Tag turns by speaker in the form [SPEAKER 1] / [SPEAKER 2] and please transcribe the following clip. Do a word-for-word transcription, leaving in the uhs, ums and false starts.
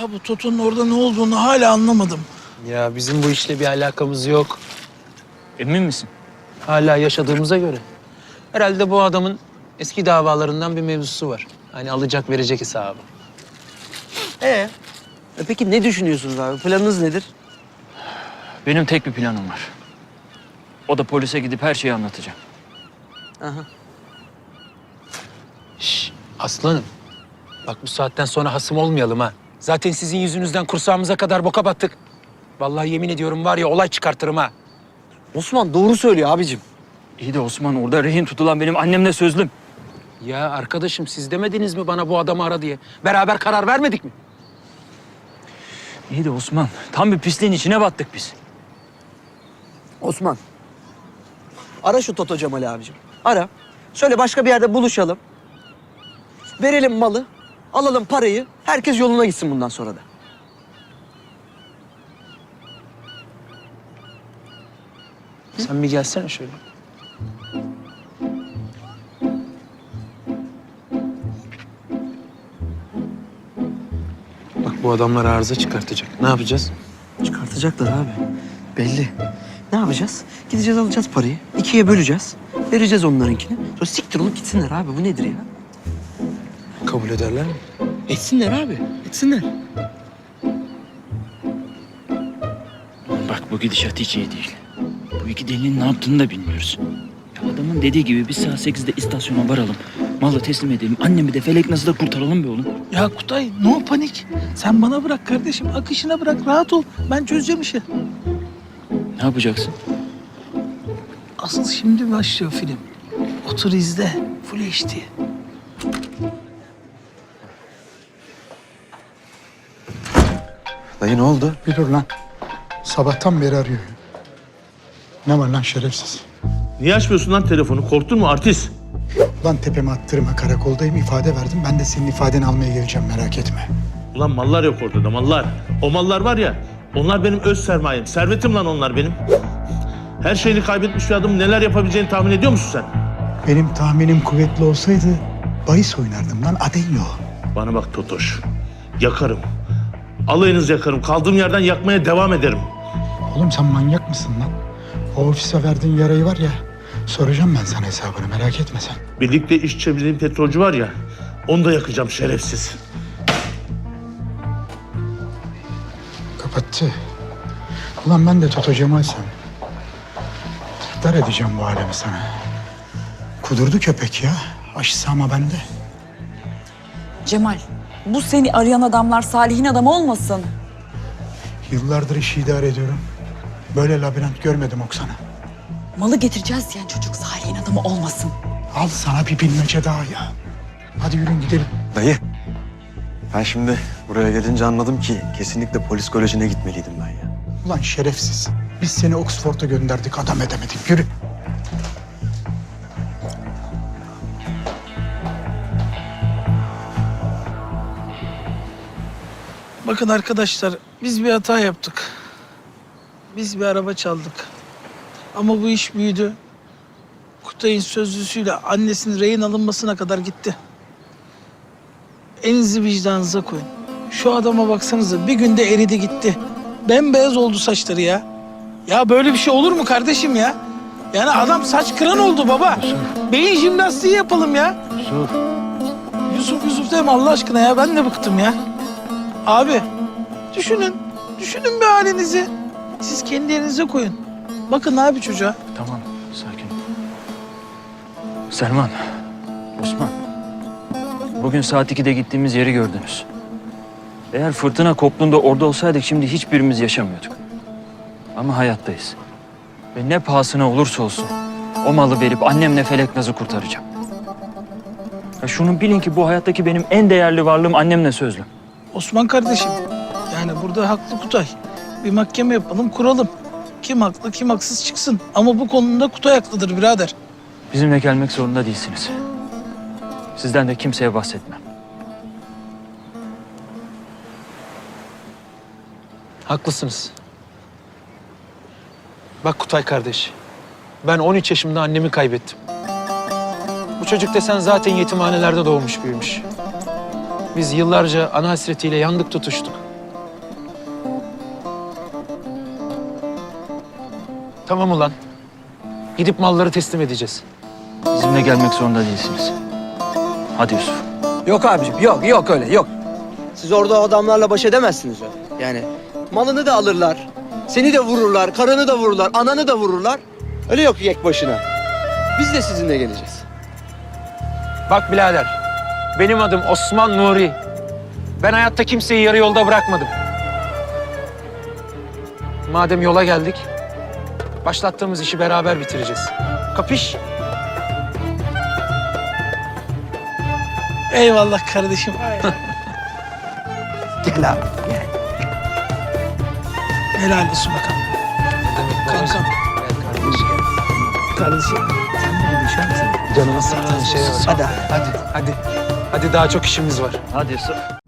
[SPEAKER 1] Ya bu Toto'nun orada ne olduğunu hala anlamadım.
[SPEAKER 2] Ya bizim bu işle bir alakamız yok.
[SPEAKER 3] Emin misin?
[SPEAKER 2] Hala yaşadığımıza göre. Herhalde bu adamın eski davalarından bir mevzusu var. Hani alacak verecek hesabı.
[SPEAKER 4] Ee, e peki ne düşünüyorsunuz abi? Planınız nedir?
[SPEAKER 3] Benim tek bir planım var. O da polise gidip her şeyi anlatacağım.
[SPEAKER 4] Aha.
[SPEAKER 2] Şş, aslanım. Bak bu saatten sonra hasım olmayalım ha. Zaten sizin yüzünüzden kursağımıza kadar boka battık. Vallahi yemin ediyorum var ya olay çıkartırım ha.
[SPEAKER 4] Osman doğru söylüyor abicim.
[SPEAKER 3] İyi de Osman, orada rehin tutulan benim annemle sözlüm.
[SPEAKER 2] Ya arkadaşım siz demediniz mi bana bu adamı ara diye? Beraber karar vermedik mi?
[SPEAKER 3] İyi de Osman, tam bir pisliğin içine battık biz.
[SPEAKER 4] Osman. Ara şu Toto Cemal abicim. Ara. Söyle başka bir yerde buluşalım. Verelim malı. Alalım parayı. Herkes yoluna gitsin bundan sonra da.
[SPEAKER 2] Sen bir gelsene şöyle. Bak bu adamlar arıza çıkartacak. Ne yapacağız?
[SPEAKER 4] Çıkartacaklar abi. Belli. Ne yapacağız? Gideceğiz alacağız parayı. İkiye böleceğiz. Vereceğiz onlarınkini. Sonra siktir olup gitsinler abi. Bu nedir ya?
[SPEAKER 2] Kabul ederler mi?
[SPEAKER 4] Etsinler abi. Etsinler.
[SPEAKER 3] Bak bu gidişat hiç iyi değil. Bu iki delinin ne yaptığını da bilmiyoruz. Ya adamın dediği gibi biz saat sekizde istasyona varalım. Malı teslim edelim. Annemi de Felek nasıl da kurtaralım be oğlum.
[SPEAKER 1] Ya Kutay, no panik. Sen bana bırak kardeşim, akışına bırak, rahat ol. Ben çözeceğim işi.
[SPEAKER 3] Ne yapacaksın?
[SPEAKER 1] Asıl şimdi başlıyor film. Otur izle, Full H D.
[SPEAKER 5] Dayı ne oldu?
[SPEAKER 6] Bir dur lan. Sabahtan beri arıyor. Ne var lan şerefsiz?
[SPEAKER 7] Niye açmıyorsun lan telefonu? Korktun mu artist?
[SPEAKER 6] Lan tepeme attırma, karakoldayım, ifade verdim. Ben de senin ifadeni almaya geleceğim, merak etme.
[SPEAKER 7] Ulan mallar yok orada da mallar. O mallar var ya, onlar benim öz sermayem. Servetim lan onlar benim. Her şeyini kaybetmiş bir adam neler yapabileceğini tahmin ediyor musun sen?
[SPEAKER 6] Benim tahminim kuvvetli olsaydı bahis oynardım lan, Adenyo.
[SPEAKER 7] Bana bak Totoş, yakarım. Alayınızı yakarım. Kaldığım yerden yakmaya devam ederim.
[SPEAKER 6] Oğlum sen manyak mısın lan? O ofise verdiğin yarayı var ya, soracağım ben sana hesabını, merak etme sen.
[SPEAKER 7] Birlikte iş çevirdiğim petrolcü var ya, onu da yakacağım şerefsiz.
[SPEAKER 6] Kapattı. Ulan ben de Toto Cemal'sem dar edeceğim bu alemi sana. Kudurdu köpek ya. Aşısı ama bende.
[SPEAKER 8] Cemal, bu seni arayan adamlar Salih'in adamı olmasın?
[SPEAKER 6] Yıllardır işi idare ediyorum. Böyle labirent görmedim Oksana.
[SPEAKER 8] Malı getireceğiz diyen çocuk Salih'in adamı olmasın.
[SPEAKER 6] Al sana bir bilmece daha ya. Hadi yürüyün gidelim.
[SPEAKER 5] Dayı. Ben şimdi buraya gelince anladım ki kesinlikle polis kolejine gitmeliydim ben ya.
[SPEAKER 6] Ulan şerefsiz. Biz seni Oxford'a gönderdik, adam edemedik. Yürü.
[SPEAKER 1] Bakın arkadaşlar, biz bir hata yaptık. Biz bir araba çaldık. Ama bu iş büyüdü. Kutay'ın sözlüsüyle annesinin rehin alınmasına kadar gitti. Elinizi vicdanınıza koyun. Şu adama baksanıza, bir günde eridi gitti. Bembeyaz oldu saçları ya. Ya böyle bir şey olur mu kardeşim ya? Yani adam saç kıran oldu baba. Beyin jimnastiği yapalım ya.
[SPEAKER 3] Yusuf.
[SPEAKER 1] Yusuf Yusuf deme Allah aşkına ya, ben de bıktım ya. Abi düşünün, düşünün bir halinizi. Siz kendi yerinize koyun. Bakın abi çocuğa.
[SPEAKER 3] Tamam, sakin ol. Selman, Osman. Bugün saat ikide gittiğimiz yeri gördünüz. Eğer fırtına koptuğunda orada olsaydık şimdi hiçbirimiz yaşamıyorduk. Ama hayattayız. Ve ne pahasına olursa olsun o malı verip annemle Feleknaz'ı kurtaracağım. Ya şunu bilin ki bu hayattaki benim en değerli varlığım annemle sözlüm.
[SPEAKER 1] Osman kardeşim, yani burada haklı Kutay. Bir mahkeme yapalım, kuralım. Kim haklı, kim haksız çıksın. Ama bu konuda Kutay haklıdır birader.
[SPEAKER 3] Bizimle gelmek zorunda değilsiniz. Sizden de kimseye bahsetmem.
[SPEAKER 2] Haklısınız. Bak Kutay kardeş. Ben on üç yaşımda annemi kaybettim. Bu çocuk desen zaten yetimhanelerde doğmuş büyümüş. Biz yıllarca ana hasretiyle yandık tutuştuk. Tamam ulan. Gidip malları teslim edeceğiz.
[SPEAKER 3] Bizimle gelmek zorunda değilsiniz. Hadi Yusuf.
[SPEAKER 4] Yok abicim, yok, yok öyle, yok. Siz orada o adamlarla baş edemezsiniz öyle. Yani malını da alırlar, seni de vururlar, karını da vururlar, ananı da vururlar. Öyle yok yek başına. Biz de sizinle geleceğiz.
[SPEAKER 2] Bak birader, benim adım Osman Nuri. Ben hayatta kimseyi yarı yolda bırakmadım. Madem yola geldik, başlattığımız işi beraber bitireceğiz. Kapış?
[SPEAKER 1] Eyvallah kardeşim.
[SPEAKER 4] Gel abi, gel.
[SPEAKER 1] Helal olsun bakalım. Kankam. Kardeşim. Sen de bir düşer misin?
[SPEAKER 2] Canımı sıktığın şeye bak.
[SPEAKER 4] Hadi.
[SPEAKER 2] Hadi, hadi. Hadi daha çok işimiz var.
[SPEAKER 3] Hadi Yusuf.